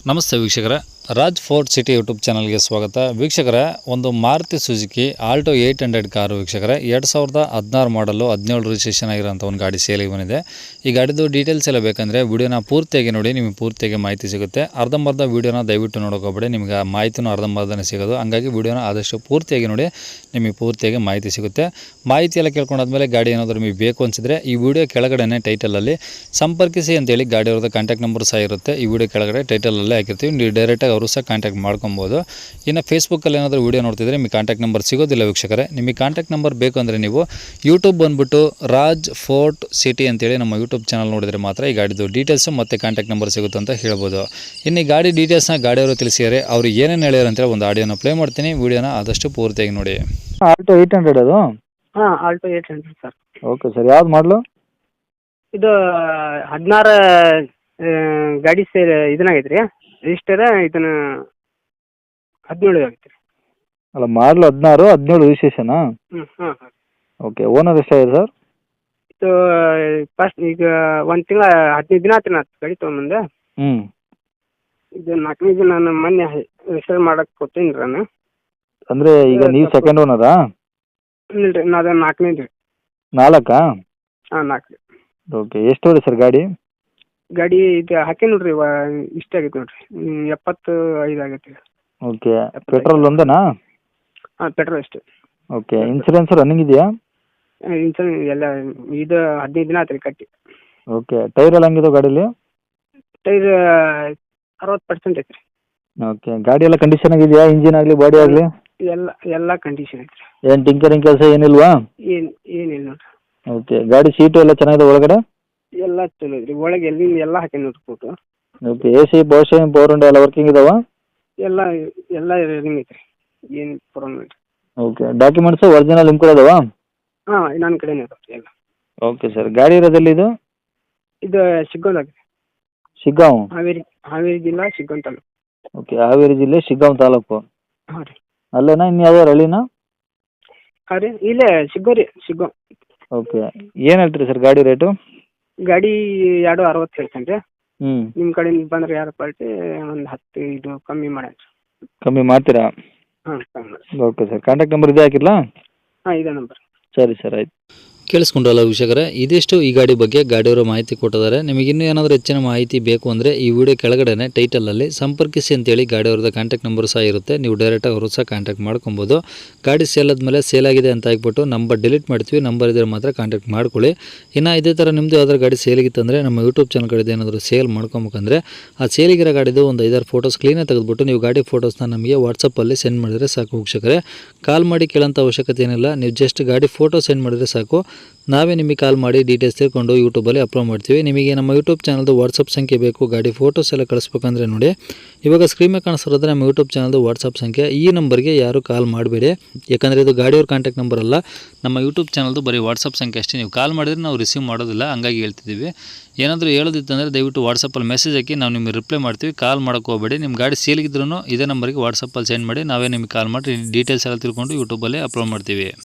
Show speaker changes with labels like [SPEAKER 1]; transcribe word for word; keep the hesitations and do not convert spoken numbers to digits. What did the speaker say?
[SPEAKER 1] ನಮಸ್ತೆ ವೀಕ್ಷಕರೇ, Raj fort city YouTube ಚಾನಲ್ಗೆ ಸ್ವಾಗತ. ವೀಕ್ಷಕರೇ, ಒಂದು Maruti Suzuki Alto eight hundred car ವೀಕ್ಷಕರೇ, ಎರಡು ಸಾವಿರದ ಹದಿನಾರು ಮಾಡಲು ಹದಿನೇಳು ರಿಜಿಸ್ಟ್ರೇಷನ್ ಆಗಿರೋಂಥ ಒಂದು ಗಾಡಿ ಸೇಲಿಗೆ ಬಂದಿದೆ. ಈ ಗಾಡಿದು ಡೀಟೇಲ್ಸ್ ಎಲ್ಲ ಬೇಕಂದರೆ ವಿಡಿಯೋನ ಪೂರ್ತಿಯಾಗಿ ನೋಡಿ, ನಿಮಗೆ ಪೂರ್ತಿಯಾಗಿ ಮಾಹಿತಿ ಸಿಗುತ್ತೆ. ಅರ್ಧಂಬರ್ಧ ವಿಡಿಯೋನ ದಯವಿಟ್ಟು ನೋಡೋಕೋಬೇಡಿ, ನಿಮಗೆ ಮಾಹಿತಿನೂ ಅರ್ಧಂಬರ್ಧನೇ ಸಿಗೋದು. ಹಂಗಾಗಿ ವಿಡಿಯೋನ ಆದಷ್ಟು ಪೂರ್ತಿಯಾಗಿ ನೋಡಿ, ನಿಮಗೆ ಪೂರ್ತಿಯಾಗಿ ಮಾಹಿತಿ ಸಿಗುತ್ತೆ. ಮಾಹಿತಿ ಎಲ್ಲ ಕೇಳ್ಕೊಂಡಾದ್ಮೇಲೆ ಗಾಡಿ ಏನಾದರೂ ನಿಮಗೆ ಬೇಕು ಅನಿಸಿದ್ರೆ ಈ ವಿಡಿಯೋ ಕೆಳಗಡೆ ಟೈಟಲಲ್ಲಿ ಸಂಪರ್ಕಿಸಿ ಅಂತೇಳಿ ಗಾಡಿ ಅವ್ರದ್ದು ಕಾಂಟ್ಯಾಕ್ಟ್ ನಂಬರ್ ಸಹ ಇರುತ್ತೆ. ಈ ವಿಡಿಯೋ ಕೆಳಗಡೆ ಟೈಟಲಲ್ಲೇ ಹಾಕಿರ್ತೀವಿ, ನೀವು ಡೈರೆಕ್ಟಾಗಿ ಅವರು ಸಹ ಕಾಂಟ್ಯಾಕ್ಟ್ ಮಾಡ್ಕೊಬೋದು. ಇನ್ನು ಫೇಸ್ಬುಕ್ಕಲ್ಲಿ ಏನಾದರೂ ವೀಡಿಯೋ ನೋಡ್ತಿದ್ರೆ ನಿಮಗೆ ಕಾಂಟ್ಯಾಕ್ಟ್ ನಂಬರ್ ಸಿಗೋದಿಲ್ಲ ವೀಕ್ಷಕರೇ. ನಿಮಗೆ ಕಾಂಟ್ಯಾಕ್ಟ್ ನಂಬರ್ ಬೇಕು ಅಂದರೆ ನೀವು ಯೂಟ್ಯೂಬ್ ಬಂದುಬಿಟ್ಟು ರಾಜ್ ಫೋರ್ಟ್ ಸಿಟಿ ಅಂತೇಳಿ ನಮ್ಮ ಯೂಟ್ಯೂಬ್ ಚಾನಲ್ ನೋಡಿದರೆ ಮಾತ್ರ ಈ ಗಾಡಿದು ಡೀಟೇಲ್ಸು ಮತ್ತು ಕಾಂಟ್ಯಾಕ್ಟ್ ನಂಬರ್ ಸಿಗುತ್ತೆ ಅಂತ ಹೇಳ್ಬೋದು. ಇನ್ನು ಈ ಗಾಡಿ ಡೀಟೇಲ್ಸ್ನ ಗಾಡಿಯವರು ತಿಳಿಸಿದ್ದಾರೆ, ಅವರು ಏನೇನು ಹೇಳ್ಯಾರ ಅಂತೇಳಿ ಒಂದು ಆಡಿಯೋನ ಪ್ಲೇ ಮಾಡ್ತೀನಿ. ವೀಡಿಯೋನ ಆದಷ್ಟು ಪೂರ್ತಿಯಾಗಿ ನೋಡಿ.
[SPEAKER 2] ಆಲ್ಟೋ ಏಯ್ಟ್ ಹಂಡ್ರೆಡ್ ಅದು
[SPEAKER 3] ಹಾಂ Alto eight hundred sir.
[SPEAKER 2] Okay sir, ಯಾವ್ದು ಮಾಡಲು?
[SPEAKER 3] ಇದು ಹದಿನಾರು ಗಾಡಿ ಸೇರ್ ಇದನ್ನಾಗೈತೆ ರೀ, ರಿಜಿಸ್ಟರ್ ಇದನ್ನ ಹದಿನೇಳು ಆಗೈತೆ ರೀ.
[SPEAKER 2] ಅಲ್ಲ, ಮಾಡಲು ಹದಿನಾರು ಹದಿನೇಳು ರಿಜಿಸ್ಟ್ರೇಷನಾ?
[SPEAKER 3] ಹ್ಞೂ ಹಾಂ ಹಾಂ.
[SPEAKER 2] ಓಕೆ, ಓನರ್ ಎಷ್ಟಾಗಿದೆ ಸರ್?
[SPEAKER 3] ಇದು ಫಸ್ಟ್ ಈಗ ಒಂದು ತಿಂಗಳ ಹದಿನೈದು ದಿನ ಆಯ್ತು ನಾನು ಗಾಡಿ ತೊಗೊಂಬಂದೆ.
[SPEAKER 2] ಹ್ಞೂ
[SPEAKER 3] ಇದು ನಾಲ್ಕನೇ ದಿನ ನಾನು ಮೊನ್ನೆ ರಿಜಿಸ್ಟರ್ ಮಾಡಕ್ಕೆ ಕೊಡ್ತೀನಿ ರೀ ನಾನು.
[SPEAKER 2] ಅಂದರೆ ಈಗ ನೀವು ಸೆಕೆಂಡ್ ಓನರಾ?
[SPEAKER 3] ಇಲ್ಲ ರೀ, ನಾನು ನಾಲ್ಕನೇ ರೀ.
[SPEAKER 2] ನಾಲ್ಕಾ?
[SPEAKER 3] ಹಾಂ ನಾಲ್ಕು ರೀ.
[SPEAKER 2] ಓಕೆ, ಎಷ್ಟು ಹೊಡೆ ಸರ್ ಗಾಡಿ?
[SPEAKER 3] ಗಾಡಿ ಇದು ಹಾಕಿ ನೋಡ್ರಿ, ಇಷ್ಟ ಆಗೈತೆ ನೋಡ್ರಿ, ಎಪ್ಪತ್ತು ಐದು ಆಗೈತೆ ರೀ.
[SPEAKER 2] ಓಕೆ, ಪೆಟ್ರೋಲ್ ಒಂದೇನಾ?
[SPEAKER 3] ಹಾಂ ಪೆಟ್ರೋಲ್ ಅಷ್ಟೇ.
[SPEAKER 2] ಓಕೆ, ಇನ್ಸೂರೆನ್ಸ್ ರನ್ನಿಂಗ್ ಇದೆಯಾ?
[SPEAKER 3] ಇನ್ಸೂರೆನ್ಸ್ ಎಲ್ಲ ಇದು ಹದಿನೈದು ದಿನ ಆಯ್ತು ರೀ ಕಟ್ಟಿ.
[SPEAKER 2] ಓಕೆ, ಟೈರ್ ಎಲ್ಲ ಹಂಗಿದೆ ಗಾಡೀಲಿ?
[SPEAKER 3] ಟೈರ್ ಅರವತ್ತು ಪರ್ಸೆಂಟ್ ಐತೆ ರೀ.
[SPEAKER 2] ಓಕೆ, ಗಾಡಿ ಎಲ್ಲ ಕಂಡೀಷನ್ ಆಗಿದೆಯಾ? ಇಂಜಿನ್ ಆಗಲಿ ಬಾಡಿ ಆಗಲಿ?
[SPEAKER 3] ಎಲ್ಲ ಎಲ್ಲ ಕಂಡೀಷನ್ ಐತೆ ರೀ.
[SPEAKER 2] ಏನು ಟಿಂಕರಿಂಗ್ ಕೆಲಸ ಏನಿಲ್ವಾ?
[SPEAKER 3] ಏನು ಏನಿಲ್ಲ ನೋಡ್ರಿ.
[SPEAKER 2] ಓಕೆ, ಗಾಡಿ ಸೀಟು ಎಲ್ಲ ಚೆನ್ನಾಗಿದೆ ಒಳಗಡೆ?
[SPEAKER 3] ಎಲ್ಲ ಚಲೋ ಐತ್ರಿ, ಒಳಗೆ ಎಲ್ಲಿಂದ ಎಲ್ಲ ಹಾಕಿ ನೋಡ್ರಿ photo.
[SPEAKER 2] Okay, A C power steering power window ಎಲ್ಲ ವರ್ಕಿಂಗ್ ಇದಾವ?
[SPEAKER 3] ಎಲ್ಲ ಎಲ್ಲ ರನ್ನಿಂಗ್ ಐತ್ರಿ, ಏನು ಪ್ರಾಬ್ಲಮ್ ಇಲ್ಲ.
[SPEAKER 2] ಓಕೆ, ಡಾಕ್ಯುಮೆಂಟ್ಸು ಒರಿಜಿನಲ್ ನಿಮ್ಮ ಕಡೆ ಇದಾವ?
[SPEAKER 3] ಹಾಂ ನನ್ನ ಕಡೆನೇ ಇದಾವೆ ಎಲ್ಲ.
[SPEAKER 2] ಓಕೆ ಸರ್, ಗಾಡಿ ಇರೋದಲ್ಲಿ ಇದು?
[SPEAKER 3] ಇದು ಶಿಗ್ಗಾಂವ್
[SPEAKER 2] ಶಿಗ್ಗಾಂವ್?
[SPEAKER 3] ಹಾವೇರಿ ಹಾವೇರಿ ಜಿಲ್ಲಾ ಶಿಗ್ಗಾಂವ್ ತಾಲೂಕು.
[SPEAKER 2] ಓಕೆ, ಹಾವೇರಿ ಜಿಲ್ಲೆ ಶಿಗ್ಗಾಂವ್ ತಾಲೂಕು.
[SPEAKER 3] ಹಾಂ ರೀ.
[SPEAKER 2] ಅಲ್ಲೇನಾ ಇನ್ನು ಯಾವ್ದಾರು ಹಳ್ಳಿನಾ?
[SPEAKER 3] ಹಾಂ ರೀ, ಇಲ್ಲೇ ಶಿಗ್ಗಾಂವ್ ರೀ, ಶಿಗ್ಗಾಂವ್.
[SPEAKER 2] ಓಕೆ, ಏನು ಹೇಳ್ತೀರಿ ಸರ್ ಗಾಡಿ ರೇಟು?
[SPEAKER 3] ಗಾಡಿ ಎರಡು ಅರವತ್ತು ಹೇಳ್ತೇನೆ ರೀ.
[SPEAKER 2] ಹ್ಞೂ,
[SPEAKER 3] ನಿಮ್ಮ ಕಡೆಯಿಂದ ಬಂದ್ರೆ ಯಾರು ಪಾರ್ಟಿ ಒಂದು ಹತ್ತು ಇದು ಕಮ್ಮಿ ಮಾಡಿ.
[SPEAKER 2] ಕಮ್ಮಿ ಮಾಡ್ತೀರಾ?
[SPEAKER 3] ಹಾಂ ಕಮ್ಮಿ ಮಾಡಿ.
[SPEAKER 2] ಓಕೆ ಸರ್, ಕಾಂಟ್ಯಾಕ್ಟ್ ನಂಬರ್ ಇದೆ ಹಾಕಿರಲಾ?
[SPEAKER 3] ಹಾಂ ಇದೇ ನಂಬರ್.
[SPEAKER 2] ಸರಿ ಸರ್, ಆಯ್ತು.
[SPEAKER 1] ಕೇಳಿಸ್ಕೊಂಡ್ರಲ್ಲ ವೀಕ್ಷಕರೇ, ಇದಿಷ್ಟು ಈ ಗಾಡಿ ಬಗ್ಗೆ ಗಾಡಿಯವರು ಮಾಹಿತಿ ಕೊಟ್ಟಿದ್ದಾರೆ. ನಿಮಗೆ ಇನ್ನೂ ಏನಾದರೂ ಹೆಚ್ಚಿನ ಮಾಹಿತಿ ಬೇಕು ಅಂದರೆ ಈ ವಿಡಿಯೋ ಕೆಳಗಡೆ ಟೈಟಲಲ್ಲಿ ಸಂಪರ್ಕಿಸಿ ಅಂತೇಳಿ ಗಾಡಿಯವ್ರದ್ದು ಕಾಂಟ್ಯಾಕ್ಟ್ ನಂಬರ್ ಸಹ ಇರುತ್ತೆ. ನೀವು ಡೈರೆಕ್ಟಾಗಿ ಅವರು ಸಹ ಕಾಂಟ್ಯಾಕ್ಟ್ ಮಾಡ್ಕೊಬೋದು. ಗಾಡಿ ಸೇಲ್ ಆದಮೇಲೆ ಸೇಲ್ ಆಗಿದೆ ಅಂತ ಹಾಕ್ಬಿಟ್ಟು ನಂಬರ್ ಡಿಲೀಟ್ ಮಾಡ್ತೀವಿ, ನಂಬರ್ ಇದ್ದರೆ ಮಾತ್ರ ಕಾಂಟ್ಯಾಕ್ಟ್ ಮಾಡ್ಕೊಳ್ಳಿ. ಇನ್ನು ಇದೇ ಥರ ನಿಮ್ಮದು ಯಾವ್ದಾದ್ರು ಗಾಡಿ ಸೇಲಿಗಿತ್ತಂದರೆ ನಮ್ಮ ಯೂಟ್ಯೂಬ್ ಚಾನಲ್ ಕಡೆದು ಏನಾದರೂ ಸೇಲ್ ಮಾಡ್ಕೊಬೇಕಂದ್ರೆ ಆ ಸೇಲಿಗಿರೋ ಗಾಡಿದು ಒಂದು ಐದಾರು ಫೋಟೋಸ್ ಕ್ಲೀನಾಗಿ ತೆಗೆದುಬಿಟ್ಟು ನೀವು ಗಾಡಿ ಫೋಟೋಸ್ನ ನಮಗೆ ವಾಟ್ಸಪ್ಪಲ್ಲಿ ಸೆಂಡ್ ಮಾಡಿದರೆ ಸಾಕು ವೀಕ್ಷಕರೇ. ಕಾಲ್ ಮಾಡಿ ಕೇಳೋಂಥ ಅವಶ್ಯಕತೆ ಏನಿಲ್ಲ, ನೀವು ಜಸ್ಟ್ ಗಾಡಿ ಫೋಟೋ ಸೆಂಡ್ ಮಾಡಿದರೆ ಸಾಕು, ನಾವೇ ನಿಮಗೆ ಕಾಲ್ ಮಾಡಿ ಡೀಟೇಲ್ಸ್ ತಿಳ್ಕೊಂಡು ಯೂಟ್ಯೂಬಲ್ಲಿ ಅಪ್ಲೋಡ್ ಮಾಡ್ತೀವಿ. ನಿಮಗೆ ನಮ್ಮ ಯೂಟ್ಯೂಬ್ ಚಾನಲ್ದು ವಾಟ್ಸಪ್ ಸಂಖ್ಯೆ ಬೇಕು, ಗಾಡಿ ಫೋಟೋಸ್ ಎಲ್ಲ ಕಳಿಸ್ಬೇಕಂದ್ರೆ ನೋಡಿ ಇವಾಗ ಸ್ಕ್ರೀನ್ ಮೇಲೆ ಕಾಣಿಸ್ತಿರೋದ್ರೆ ನಮ್ಮ ಯೂಟ್ಯೂಬ್ ಚಾನಲ್ದು ವಾಟ್ಸಪ್ ಸಂಖ್ಯೆ. ಈ ನಂಬರ್ಗೆ ಯಾರು ಕಾಲ್ ಮಾಡಬೇಡಿ, ಯಾಕಂದರೆ ಇದು ಗಾಡಿಯವ್ರ ಕಾಂಟ್ಯಾಕ್ಟ್ ನಂಬರ್ ಅಲ್ಲ, ನಮ್ಮ ಯೂಟ್ಯೂಬ್ ಚಾನಲ್ದು ಬರೀ ವಾಟ್ಸಪ್ ಸಂಖ್ಯೆ ಅಷ್ಟೇ. ನೀವು ಕಾಲ್ ಮಾಡಿದ್ರೆ ನಾವು ರಿಸೀವ್ ಮಾಡೋದಿಲ್ಲ, ಹಂಗಾಗಿ ಹೇಳ್ತಿದ್ದೀವಿ. ಏನಾದರೂ ಹೇಳೋದಿತ್ತಂದರೆ ದಯವಿಟ್ಟು ವಾಟ್ಸಪ್ಪಲ್ಲಿ ಮೆಸೇಜ್ ಹಾಕಿ, ನಾವು ನಿಮಗೆ ರಿಪ್ಲೈ ಮಾಡ್ತೀವಿ. ಕಾಲ್ ಮಾಡೋಕ್ಕೆ ಹೋಗಬೇಡಿ. ನಿಮ್ಮ ಗಾಡಿ ಸೇಲಿಗಿದ್ರೂ ಇದೇ ನಂಬರ್ಗೆ ವಾಟ್ಸಪ್ಪಲ್ಲಿ ಸೆಂಡ್ ಮಾಡಿ, ನಾವೇ ನಿಮಗೆ ಕಾಲ್ ಮಾಡಿ ಡೀಟೇಲ್ಸ್ ಎಲ್ಲ ತಿಳ್ಕೊಂಡು ಯೂಟ್ಯೂಬಲ್ಲಿ ಅಪ್ಲೋಡ್ ಮಾಡ್ತೀವಿ.